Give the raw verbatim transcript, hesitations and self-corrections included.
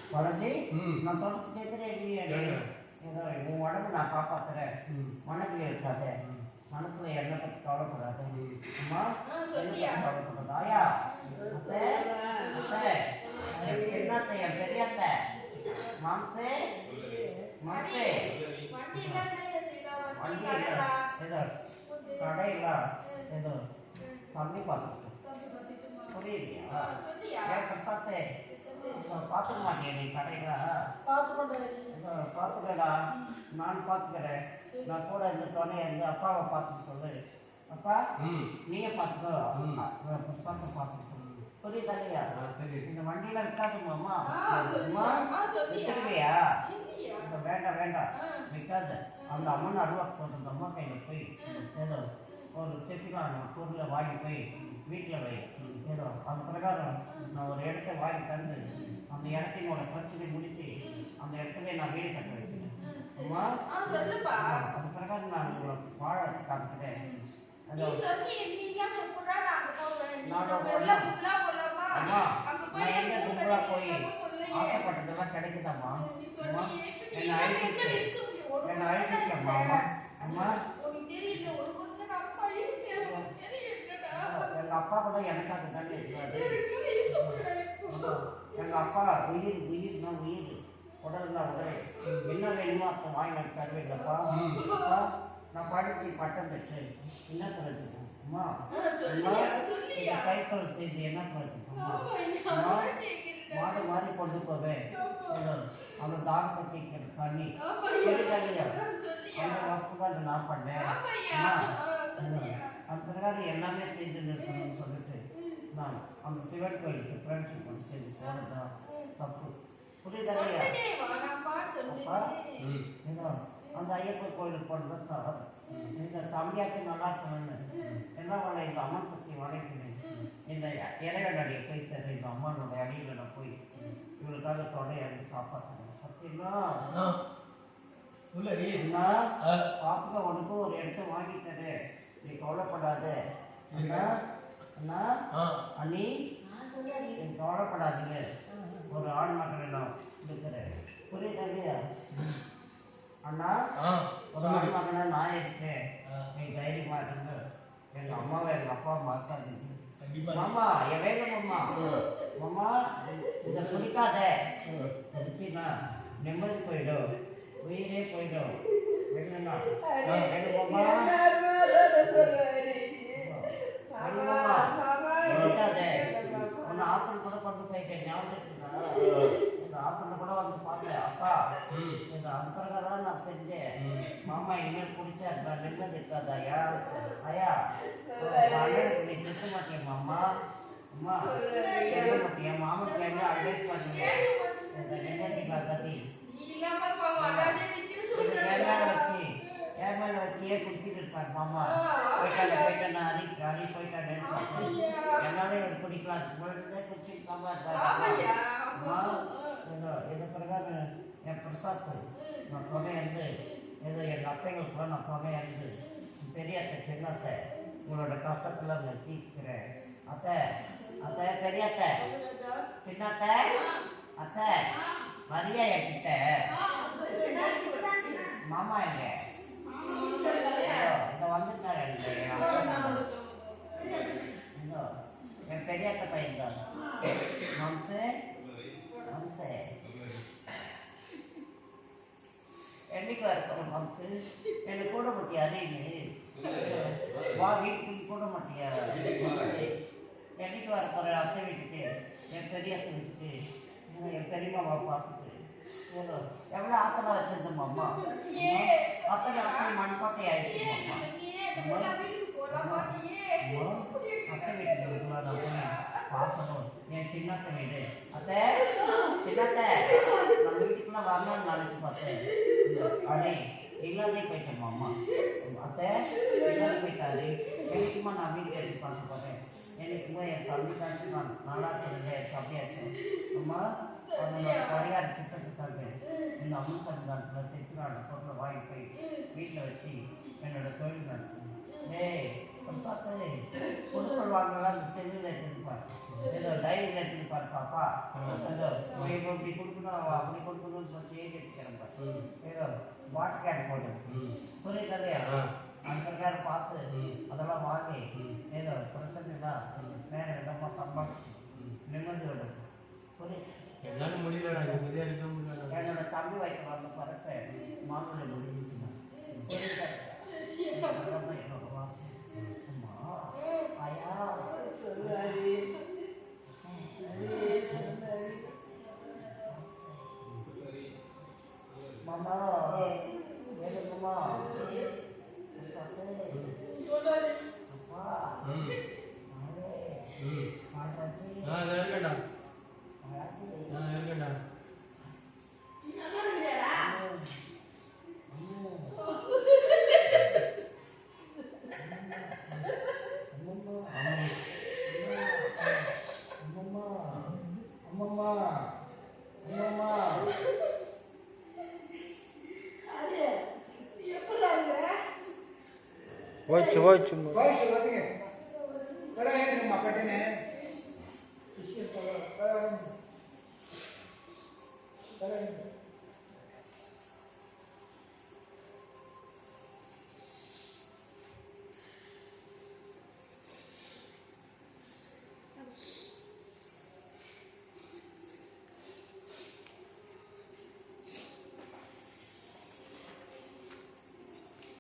வளர்ச்சி நான் சொல்றது கேட்குறேன் இல்லையா? ஏதோ உன் உடம்பு நான் காப்பாத்துறேன், மனதில் இருக்காத, மனசுல என்ன பற்றி கவலைப்படாது. அம்மா கவலைப்படாது. ஆயா அத்தை அத்தை என்னத்தை என் பெரியத்தை மாம்சே மாம்சே வண்டி இல்லை ஏதோ கடை இல்லை ஏதோ தண்ணி பார்த்துக்கிட்டோம். புரியலையா? ஏன் பிரசாத்தே பார்த்துக்க மாட்டேன் நீ கடையில பார்த்துக்கடா. நான் பார்த்துக்கிறேன். நான் கூட இந்த துணை இருந்து அப்பாவை பார்த்துக்க சொல்லு. அப்பா நீயே பார்த்துக்கோ, பிரசாத்தை பார்த்துக்க சொல்லு. புரியுதா இல்லையா? இந்த வண்டியில இருக்காதுமாம்மா விட்டுருவியா? வேண்டாம் வேண்டாம் விற்காது. அந்த அம்மன் அருவா சொல்றது அம்மா கையில் போய் ஏதோ ஒரு செட்டிலான பொருளை வாங்கி போய் வீட்டில் வை. ஏதோ அது பிரகாரம் நான் ஒரு இடத்த வாங்கி தந்து அந்த இடத்தினோட பிரச்சனை முடிச்சு அந்த இடத்துல நான் வீடு கட்ட வைக்கிறேன். அம்மா அது பிரகாரம் நான் உங்களை வாழ வச்சு காமிக்கிறேன். அம்மா நான் எங்க கும்பலா போய் ஆசைப்பட்டதெல்லாம் கிடைக்குதாம்மா? அம்மா என்னை அழைச்சிட்டு என்னை அழைச்சிட்டம்மா. அம்மா அம்மா எங்கள் அப்பா கூட எனக்காக தானே இருக்காது. எங்கள் அப்பா உயிர் உயிர்னா உயிர், உடல்னா உடல். என்ன வேணுமோ அப்போ வாங்கி தருவீங்களப்பா. அப்பா நான் படித்து பட்டம் பெற்று என்ன கிடைச்சிட்டேன். அம்மா கைப்பொருள் செய்து என்ன கிடைச்சிட்டோம்மா? அம்மா மாடு மாறி கொண்டு போவேன் அந்த தாகத்தை தண்ணி தெரியாதையா அந்த வகுப்புகள் நான் பண்ணேன். அந்த பிரகாரம் எல்லாமே செஞ்சு நிறுத்தணும்னு சொல்லிட்டு நான் அந்த சிவன் கோயிலுக்கு ஃப்ரெண்ட்ஷிப் பண்ணி செஞ்சு போனதுதான் தப்பு. புரியுதாலையா? அப்பா ஏதோ அந்த ஐயப்பன் கோயிலுக்கு போனது தவறு. இந்த தம்பியாச்சும் நல்லா இருக்கணும்னு என்ன பண்ண இந்த அம்மன் சக்தி வளைக்கணும். இந்த இறைவன் அடியை போய் சேர்ந்து இந்த அம்மனோட அடியில் நான் போய் இவளுக்காக தொடை அடி காப்பாற்றணும். சத்தியமா பார்த்துக்க உனக்கும் ஒரு இடத்த வாங்கிட்டது. நீ கவலைப்படாது அண்ணா அண்ணா அண்ணி நீ கவலைப்படாதீங்க. ஒரு ஆண் மகன் நான் இருக்கிறேன். புரியுதா இல்லையா? அண்ணா ஒரு ஆண் மகனா நான் இருக்கேன். நீ தைரியமா இருங்க. எங்க அம்மாவை எங்க அப்பா மறக்காதீங்க. மாமா என் வேணும் மாமா. மாமா இதை பிடிக்காத பிடிச்சின்னா நிம்மதி போயிடும், உயிரே போயிடும். வேணும்னா வேணும் மாமா பிடிக்காத. ஒன்று ஆப்பிள் கூட கொண்டு போயிட்டேன் ஞாபகம் இருக்குங்களா? இந்த ஆப்பிள் கூட வந்து பார்த்தேன். அப்பா இந்த அந்தரகதான் நான் செஞ்சேன். மாமா இனிமேல் பிடிச்சா நிம்மதி இருக்காது. ஐயா ஐயா நீ திட்ட மாட்டேன் மாமா. அம்மா திட்ட மாட்டேன். மாமனுக்கு என்ன அட்வைஸ் பண்ணுங்க இந்த நிம்மதிக்காக கத்தி என் மேலே வச்சு என் மேலே வச்சியே குடிச்சிட்டு இருப்பார் மாமா. போயிட்டாங்க போயிட்டேன் நான் அரி அரி போயிட்டான்னு என்னால இது பிடிக்கலாம் குழந்தை குடிச்சிருக்காம இருக்காங்க. அம்மா ஏதோ இது பிரகாரம் என் பிரசாத் நான் துணை இருந்து ஏதோ எங்கள் அத்தைகளுக்குள்ள நான் துணை இருந்து பெரிய அத்தை சின்ன அத்தை உங்களோட கஷ்டத்தில் நான் தீர்க்கிறேன். அத்தை அத்தை பெரிய அத்தை சின்ன அத்தை அத்தை மரியா என்கிட்ட மாமா எங்க இதை வந்துட்டாரு என் பெரிய அத்தை பையன் தான் மம்சே மம்சே என்னைக்கு வரப்போம் மம்சு என்னை கூட மாட்டியா? அறிவு வா வீட்டுக்கு கூட மாட்டியா? என்னைக்கு வர போகிற அத்தை வீட்டுக்கு என் பெரிய அத்தை வீட்டுக்கு என் பெரியம்மாவை பார்த்துட்டு ஏதோ எவ்வளோ ஆசைலாம் வச்சுருந்தோம் அம்மா. அத்தனை அத்தனை மண்பாட்டை ஆயிடுச்சு அம்மா. அத்தை வீட்டுக்கு நான் பார்க்கணும். என் சின்னத்தை வீடு அத்தை சின்னத்தை நம்ம வீட்டுக்குள்ள வரணும்னு நினச்சி பார்த்தேன். அடே இல்லாதே போயிட்டேம்மா அம்மா. அத்தை இல்லாத போயிட்டாரு. எனக்குமா நான் வீடு கட்டி பார்க்க போகிறேன். எனக்குமா என் தம்பி காட்சி நான் நல்லா இருக்கிறது என் தம்பியாச்சு. அம்மா அவங்களோட பரிகார சித்தத்துக்காக இந்த அம்மன் சன்னிதானத்தில் செத்துக்கான பொருளை வாங்கி போய் வீட்டில் வச்சு என்னோட தொழில் நடக்கும். ஏய் பிரசாத் பொருட்கள் வாங்கலாம் அந்த செல்லில் எடுத்துப்பார். ஏதோ டைரி எடுத்துப்பார் பாப்பா ஏதோ இப்போ இப்படி கொடுக்கணும் அப்படி கொடுக்கணும்னு சொல்லி ஏறி எடுத்துக்கிறேன் ஏதோ வாட்டர் கேன் போட்டு புரியுது இல்லையா அந்த பிரகாரம் பார்த்து அதெல்லாம் வாங்கி ஏதோ பிரச்சனை தான் வேற விதமாக சம்பாதிச்சு நிம்மதியோட புரியுது எல்லாரும் முடியலடா என்னோட தம்பி வைக்க வந்த பறக்க மாமூலை முடிஞ்சிச்சுன்னா புரியுது ஐயா மாமா வேணுமா போச்சு போச்சு போயிடுச்சு பார்த்துங்க கடை ஏற்றுங்கம்மா கட்டுன்னு கடை